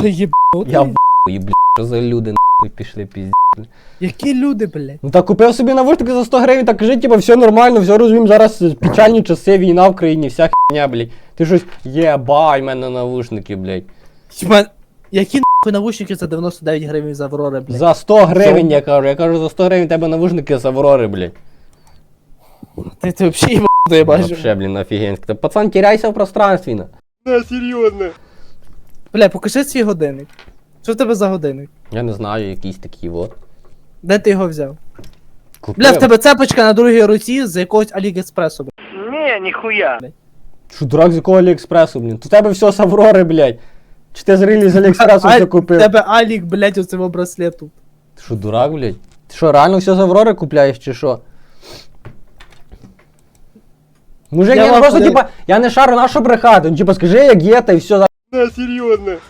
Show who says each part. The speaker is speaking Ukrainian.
Speaker 1: що єбнутий?
Speaker 2: Я блядь, що за люди нахуй пішли пізді.
Speaker 1: Які люди, блядь?
Speaker 2: Ну так купив собі навушники за 100 гривень, так кажи, типа, все нормально, все розуміємо, зараз печальні часи, війна в країні, вся херня, блядь. Ти щось, єбай, в мене навушники, блядь.
Speaker 1: Хіба, які нахуй навушники за 99 гривень з Аврори, блядь?
Speaker 2: За 100 гривень, я кажу, за 100 гривень тебе навушники з Аврори, блядь.
Speaker 1: Ти взагалі єбнутий, я бачу.
Speaker 2: Вообще, блін, офігенське. Та пацан, теряйся в пространстві, на.
Speaker 3: Да, серьезно.
Speaker 1: Бля, покажи свій годинник. Що в тебе за годинник?
Speaker 2: Я не знаю, якийсь такий вот.
Speaker 1: Де ти його взяв?
Speaker 2: Купив.
Speaker 1: Бля, в тебе цепочка на другій руці з якогось Аліекспресу, блядь.
Speaker 3: Не, нихуя.
Speaker 2: Що, дурак, з якого Аліекспресу, блін? То в тебе все з Аврори, блядь. Чи ти зрілі з Аліекспресу все
Speaker 1: В
Speaker 2: купив?
Speaker 1: тебе Алік, блядь, у цього браслету.
Speaker 2: Ти що, дурак, блядь? Ти що, реально все з Аврори купляєш, чи що? Мужик,
Speaker 1: Я
Speaker 2: я
Speaker 1: вам
Speaker 2: просто,
Speaker 1: подаю-
Speaker 2: типа, я не шарю, на що брехати? Ну, типа, скажи, як є, та і все.
Speaker 3: Да, серьезно.